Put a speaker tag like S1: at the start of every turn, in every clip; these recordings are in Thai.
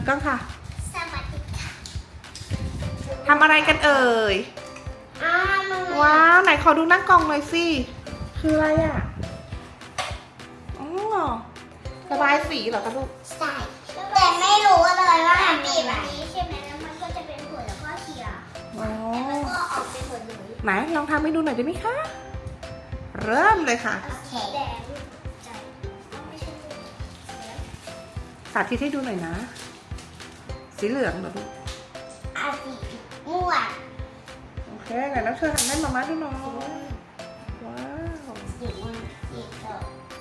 S1: กล้องค่ะ
S2: สวัสดีค่ะ
S1: ทำอะไรกันเอ่ย ว้าว ไหนขอดูหน้ากล่องหน่อยสิ คืออะไรอ่ะอ๋อระบายสีเหรอคะลูก
S2: ใช่แต่ไม่รู้เลยว่ามันบีบอันนี้ใช่ไหมแล้วมันก็จะเป็นผลแล้วก็เขีย
S1: อ๋อ
S2: แล้วก็ออกเป็นผลเลย
S1: ไหนลองทำให้ดูหน่อยได้ไหมคะ เริ่มเลยค่ะ
S2: โอเคแดงใจไม่ใช่
S1: สาธิตให้ดูหน่อยนะ สีเหลืองเหรอลูก
S2: อาสีม่วง
S1: โอเคไหนน้องเชอทำให้มาม่าดูหน่อยว้าว
S2: สีม่วงสีเขียว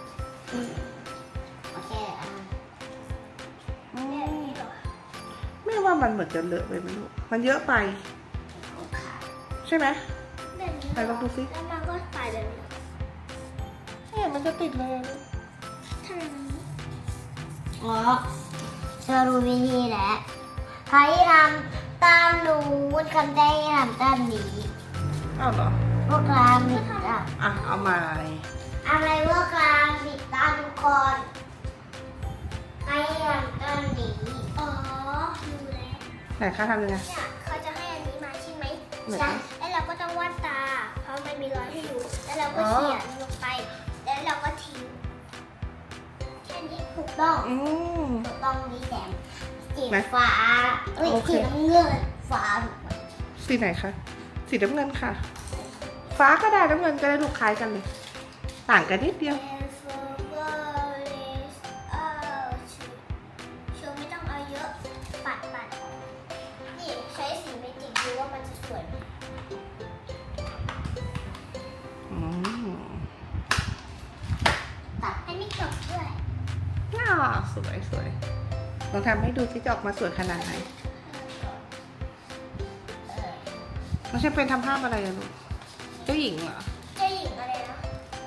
S2: โอเค
S1: อืมแม่ว่ามันเหมือนจะเลอะไปไหมลูก มันเยอะไป ใช่ไหม ไหนลองดูสิ
S2: แล้วมันก็ไปเลย
S1: เนี่ยมันจะติดเลยอะลูก
S2: ทำไมมันอ๋อเธอรู้วิธีแล้วใครทำตามหนูคำได้ทำตามนี้
S1: อ้าวเหรอ
S2: พวกเราผิดอ่ะ
S1: อ่ะ เอาใหม่
S2: อะไรพวกเราผิดตามทุกคนใครทำตามนี้อ๋อรู้แล้ว
S1: ไหนคะทำยังไง
S2: เนี่ยเขาจะให้อันนี้มาใช่ไหม
S1: ไหน
S2: ใช่แล้วเราก็ต้องวาดตา เพราะมันมีรอยให้ดูแล้วเราก็เขียนลงไป แล้วเราก็ทิ้งแค่นี้ถูกต้อง
S1: อืม
S2: ถูกต้องมีแสงสี
S1: ไหน
S2: ฟ้าเอ้ย
S1: โอเค
S2: สีน้ำเงินฟ้าถูกไหม
S1: สีไหนคะ สีน้ำเงินค่ะ ฟ้าก็ได้น้ำเงินก็ได้ลูกคล้ายกันเลย ต่างกันนิดเดียว
S2: ชูไม่ต้องเอาเยอะ ปัดนี่ใช้สีเมจิกดูว่ามันจะสวยไหม
S1: อืม
S2: ตัดให้ไม่จบด้วย
S1: น่าสวยสวยลองทำให้ดูที่จะออกมาสวยขนาดไหนน้องเชฟเป็นทำภาพอะไรอะลูก เจ้าหญิงเหรอ
S2: เจ้าหญิงอะไรนะ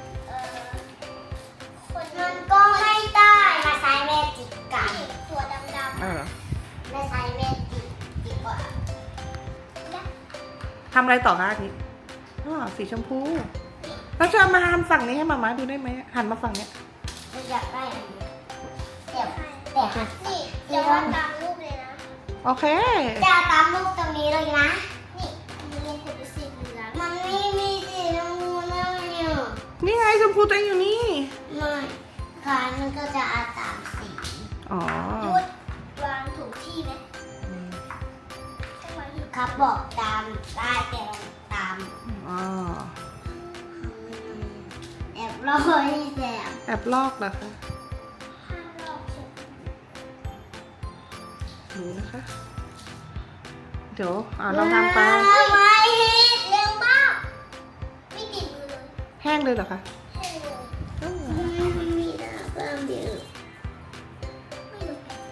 S2: คนมันก็ไม่ได้มาใช้เมจิกกันตัวดำ
S1: อ้าวเหรอ
S2: ๆมาใช้เมจิกดีกว่า
S1: ทำอะไรต่อคะอาทิตย์อ๋อสีชมพูแล้วจะเอามาทำฝั่งนี้ให้มาม่าดูได้ไหมหันมาฝั่งเนี้ย
S2: เราอยากได้อันนี้แต่นี่จะวาดตามรูปเลยนะ
S1: โอเค
S2: จะตามรูปตรงนี้เลยนะ นี่มันเป็นสีเหลืองมันไม่มีสีน้ำเงินเนี่ย
S1: นี่ไงชมพูตัวเองอยู่นี่
S2: ไม่ค่ะมันก็จะอาตามสี
S1: อ๋อ
S2: ยุดวางถูกที่ไหมครับบอกตามได้แต่ตาม
S1: อ๋อ
S2: แอบรอยแต่
S1: แอบลอกเหรอคะ
S2: ห้ามลอกเช็ด
S1: ดูนะคะ เดี๋ยวลองทำไป
S2: ไม่เร็วมากไม่ติดมือเลย
S1: แห้งเลยเหรอคะ
S2: ให้เลย
S1: อืม
S2: มีนะเพิ่มเดียวไม่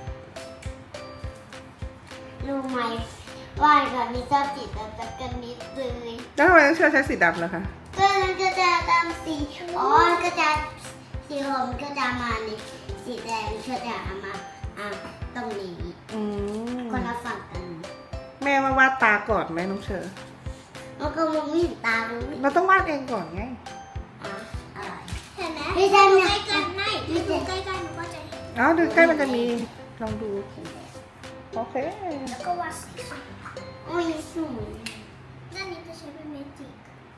S2: รู้ไหมว่าก่อนนี้ชอบติดแต่กันนิดเลย
S1: แล้วทำไมต้องเชื่อใช้สีดำเหรอคะ
S2: ก็มันก็จะตามสีอ๋อก็จะสีเหลืองก็จะมานี่สีแดงก็จะมาตรงนี้
S1: อืม
S2: คนละฝั่งกัน
S1: แม่ว่าวาดตาก่อนไหมน้องเชอ
S2: มันก็มองไม่เห็นตารู้
S1: เราต้องวาดเองก่อนไง
S2: อะไรเห็นไหมไม่ใช่ใกล้กันไม่ดูใกล้ๆมันก็จะเห็น
S1: อ๋อดูใกล้มันจะมี ลองดู โอเค
S2: แล้วก็วาดสีโอ้ยสวยด้านนี้จะใช้เป็นเมจิก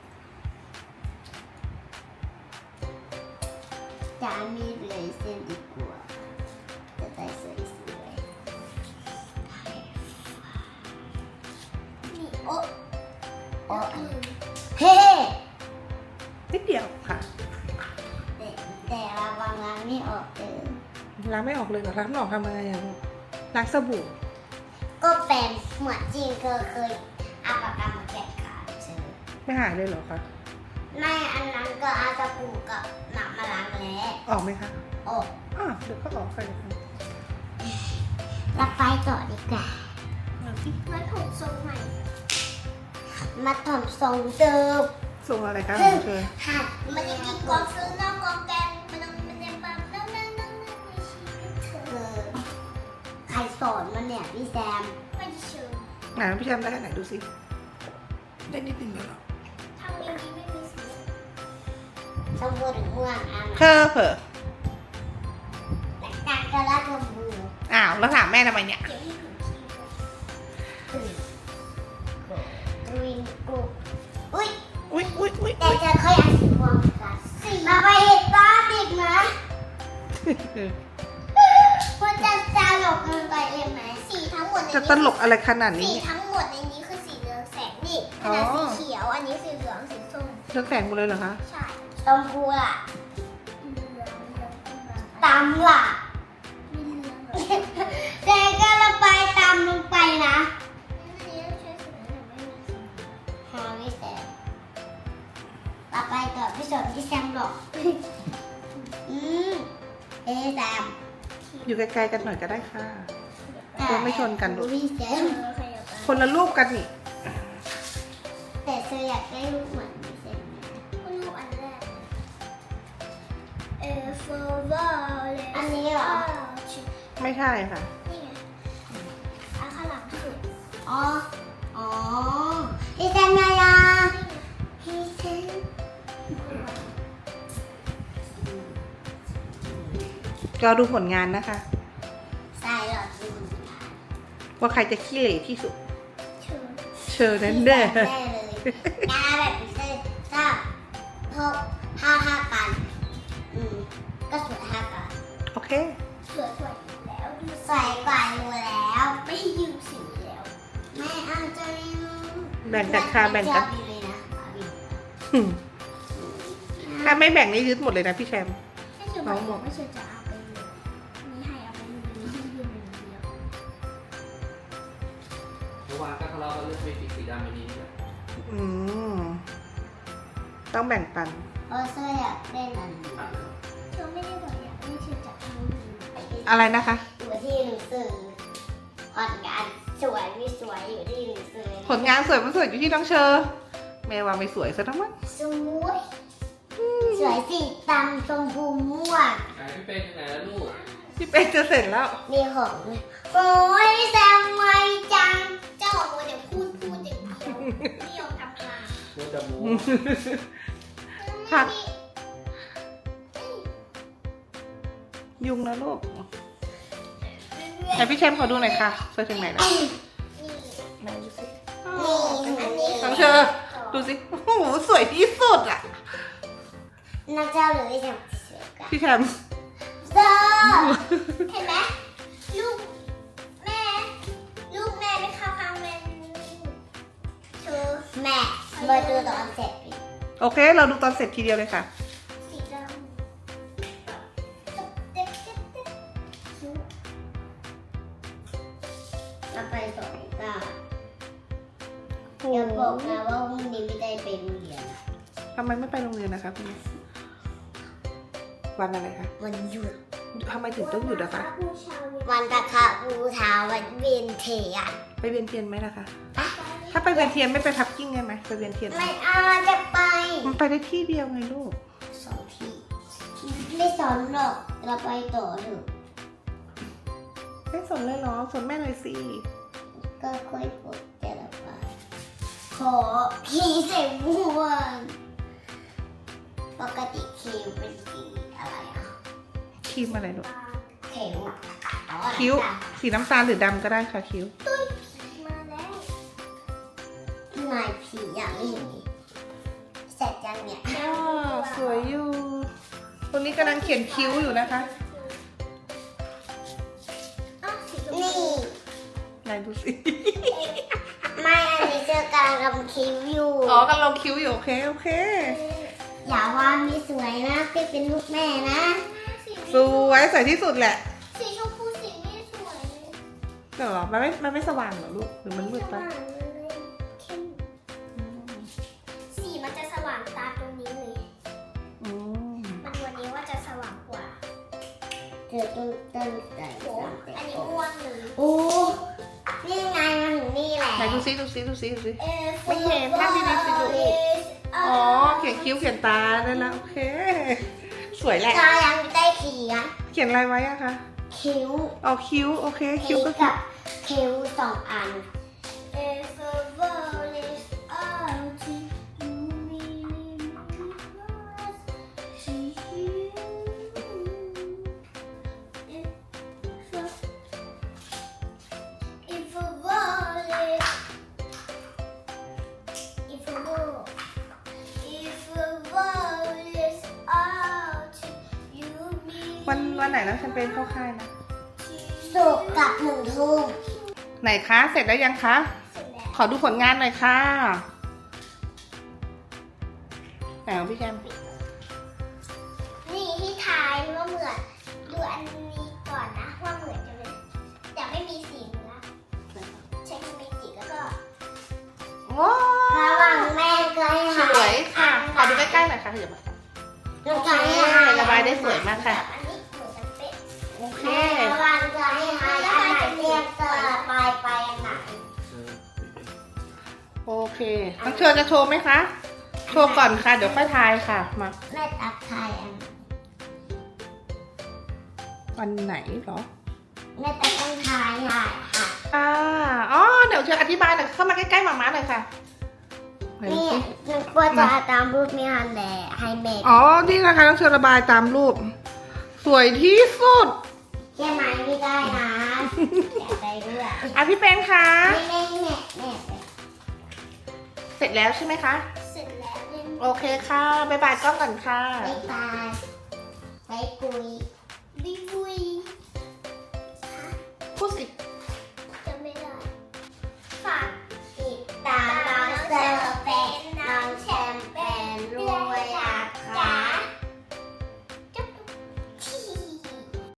S2: จะมีเลยเส้นดีกว่าจะได้สวยๆนี่โอ้เฮ้
S1: นิดเดียวค่ะ
S2: แต่ระวังล้างไม่ออกเลย
S1: ล้างไม่ออกเลยเหรอล้างไม่ออกทำอะไรอะลูกล้างสบู่
S2: ก็เป็นเหมือนจริงเคยเอาปากกามาแกะขาเจอ
S1: ไม่หายเลยเหรอคะ
S2: ไม่อันนั้นก็เอาตะปูกับหนักมาล้างแล้ว
S1: ออกไหมคะ
S2: โอ้
S1: อ่ะเดี๋ยวก็ออกไปเลยค่ะ
S2: เราไปต่อดีกว่า
S1: เอาสิ
S2: มาถมทรงใหม่ มาถมทรงเดิม
S1: ส่งอะไรคะน้องเชอ
S2: หัดมันจริงๆกองซื้อนอกกองแกงมันยังแบบนั่งในชีวิตเธอใครสอนมันเนี่ยพี่แซมไม่ได้เชิญ
S1: ไหนพี่แชมป์ได้แค่ไหนดูสิ ได้นิดนึงเหรอ
S2: ทำอย่างนี้ไม่มีสีชมพูหรือม่วงอ่ะ
S1: เธอเผลอ
S2: แต่การกระลาชมพู
S1: โอ้าวแล้วถามแม่ทำไมเนี่ย
S2: เดี๋ยวให้ผมชี้ดูวิงกูอุ้ย
S1: อุ๊ยอุ๊ยอุ๊ย
S2: แต่จะค่อยอ่านสีม่วงกันมาไปเห็นตาดิกนะมันจะตลกเกินไปเลยไหมสีทั้งหมดใน
S1: จะ
S2: นี้
S1: ตลกอะไรขนาด
S2: สี
S1: นี้
S2: ทั้งหมดในนี้คือสีเรืองแสงนี่อันนั้นสีเขียวอันนี้สีเหลืองสีส้ม
S1: เรื่องแสงหมดเลยเหรอคะ
S2: ใช่ชมพูล่ะตำล่ะแต่ก็ระบายตามลงไปนะหาไม่แสบต่อไปต่อพี่สนพี่แซมหรอกแซม
S1: อยู่ไกลๆกันหน่อยก็ได้ค่ะ ตัวไม่ชนกันลูก
S2: พี่แซม
S1: คนละรูปกันนี่
S2: แต่เธออยากได้ลูกเหมือนพี่แซมลูกอันแรกอันนี้เหรอ
S1: ไม่ใช่ค่ะ
S2: นี่ไงอันข้างหลังสุดอ๋อพี่แซมนายาพี่แซม
S1: เราดูผลงานนะคะ
S2: ใส่หลอดดู
S1: ว่าใครจะขี้เหร่ที่สุด
S2: เชิญ
S1: เชิญนั่นเด้อ
S2: แน่เลยงานแบบพิเศษถ้าพบห้ากันก็สวย5กัน
S1: โอเค
S2: สวยกว่าอยู่แล้วดูใส่กว่าอยู่แล้วไม่ยืมสีแล้วไม่เอาจะยืม
S1: แบ่งกันค่ะแบ่งกัน
S2: ชอบอยู่เลยนะบิว
S1: ถ้าไม่แบ่งนี่ยึดหมดเลยนะพี่แชมป์
S2: ไม่เชื่อบอกไม่เชื่อจะเอาไปเลยนี่ให้เอาไปเลยให้ยืม1 เดียว
S3: เมื่อวานก็ทะเลาะกันเรื่องเมจิกสีดำอันนี้นี่แหละ
S1: อืมต้องแบ่งปัน
S2: เซอร์อยากเล่นอันนี้
S3: ผ่านแล้ว
S2: เธอไม่ได้บอกอยากไม่เชื่อจะเอา
S1: อะไรนะคะ
S2: อยู่ที่หนังสือผลงานสวยไม่สวยอยู่ที่หนังสือ
S1: ผลงานสวยมันสวยอยู่ที่น้องเชอร์แม่ว่าไม่สวยซะทั้งนั้น
S2: สวยสวยสีดำชมพูม่วง
S3: ไอ้พี่เป็นยังไงแล้วลูก
S1: พี่เป๊กจะเสร็จแล้ว
S2: มีของด้วยโอ้ยแซมไวจัง เจ้าของเดี๋ยวพูดอย่างเดียวไม่ยอมทำงาน
S3: ตัวจะมู
S1: ผัก ยุงนะลูกไหนพี่แชมป์ขอดูหน่อยค่ะสวยถึงไหนแล้วไหนดูสิ
S2: นี่อันนี้
S1: น้องเชอร์ดูสิโอ้โหสวยที่สุดอ่ะ
S2: นักเจ้าหรือไอ้แซมสวยกว่า
S1: พี่แชมป์
S2: เซอร์เห็นไหมลูกแม่ไม่เข้าข้างแม่เธอแม่มาดูตอนเสร็จดิ
S1: โอเค เราดูตอนเสร็จทีเดียวเลยค่ะ
S2: สีดำเราไปสองก้าอย่าบอกนะว่าพรุ่งนี้ไม่ได้ไปโรงเรียน
S1: ทำไมไม่ไปโรงเรียนนะคะคุณแม่วันอะไรคะ
S2: วันหยุด
S1: ทำไมถึงต้องหยุดอะคะ
S2: วันตะคะบูชาวันเวียนเทียน
S1: ไปเวียนเทียนไหมล่ะคะ ถ้าไปเวียนเทียนไม่ไปพักกิ้งได้ไหมไปเวียนเทียน
S2: ไม่เอาจะไป
S1: มันไปได้ที่เดียวไงลูก
S2: 2 ที่ไม่สอนหรอกเราไปต่อเถอะ
S1: ไม่สนเลยเหรอสนแม่หน่อยสิ
S2: ก็ค่อยปลดแต่ละไปขอผีใส่ม่วงปกติคิวเป็นสีอะไรอ่ะ
S1: ครีมอะไรลูก
S2: เข็ม
S1: คิ้ว สีน้ำตาลหรือดำก็ได้ค่ะคิ้ว
S2: มาแล้วนายผีอย่างนี้เสร็จยังเนี่ย
S1: อ๋อสวยอยู่ตรงนี้กำลังเขียนคิ้วอยู่นะคะ
S2: นี่
S1: ไหนดูสิ
S2: ไม่อันนี้เจอกำลังทำคิ้วอยู่
S1: อ๋อกำลังคิ้วอยู่โอเคโอเค
S2: อย่าว่าไม่สวยนะพี่เป็นลูกแม่นะ
S1: สวยสวยที่สุดแหละ
S2: สีชมพูสีไม่สวย
S1: แต่หรอมันไม่สว่างเหรอลูกหรือมันมืดไป
S2: สีมันจะสว่างตาตรงนี้เลย
S1: อืม
S2: มันวันนี้ว่าจะสว่างกว่าเธอต้องตั้งใจโอ้อันนี้ม่วงเลยโอ้นี่ไงมันถึงนี่แหละ
S1: ไหนดูสิไม่เห็นภาพดีๆสิลูกอ๋อเขียนคิ้วเขียนตาได้แล้วโอเค สวยแหละ
S2: จายังไม่ได้เขียน
S1: เขียนอะไรไว้อะคะ
S2: คิ้ว
S1: อ๋อคิ้วโอเคคิ้วก็
S2: กับคิ้ว2 อัน
S1: วันไหนน้องแชมเปญเข้าค่ายนะ
S2: ศุกร์กับ1 ทุ่ม
S1: ไหนคะ เสร็จแล้วยังคะ
S2: เสร็จแล้ว
S1: ขอดูผลงานหน่อยค่ะไหนของพี่แชมป์
S2: นี่ที่ทายว่าเหมือนดูอันนี้ก่อนนะว่าเหมือนจะเป็นแต่ไม่มีสีเนื้อใช้เมจิกแล้วก็
S1: ว้า
S2: ระหว่างแม่ก็ให้
S1: สวยค่ะ ขอดูใกล้ๆหน่อยค่ะเดี๋ยวมา
S2: แล้วก็ให้
S1: ระบายได้สวยมากค่ะ
S2: อันนี้เหมือนกันเป๊ะ
S1: โอเค
S2: ระหว่างก็ให้อันไหนเรียกก็ไปอันไหน
S3: เออ
S1: โอเคน้องเชอจะโชว์ไหมคะ โชว์ก่อนค่ะ เดี๋ยวค่อยทายค่ะ มา
S2: แม่ตักทายอัน
S1: วันไหนเหรอ
S2: แม่ตักต้องทายค่ะ
S1: อ๋อ เดี๋ยวเชออธิบายหน่อยเข้ามาใกล้ๆหมาม้าหน่อยค่ะไหนดู
S2: นี่
S1: สิ
S2: นึกว่าจะตามรูปมีฮันแดให้เมด
S1: อ๋อ นี่นะคะน้องเชอระบายตามรูป สวยที่สุด
S2: แค่ไหมไม่ได้นะอยากได้ด้วย
S1: อ่ะพี่เป็นคะ
S2: แม่
S1: เสร็จแล้วใช่ไหมคะ
S2: เสร็จแล้วเล่น
S1: โอเคค่ะบ๊ายบายกล้องก่อนค่ะ
S2: ไปตายไปคุยบิบุย
S1: พูดสิ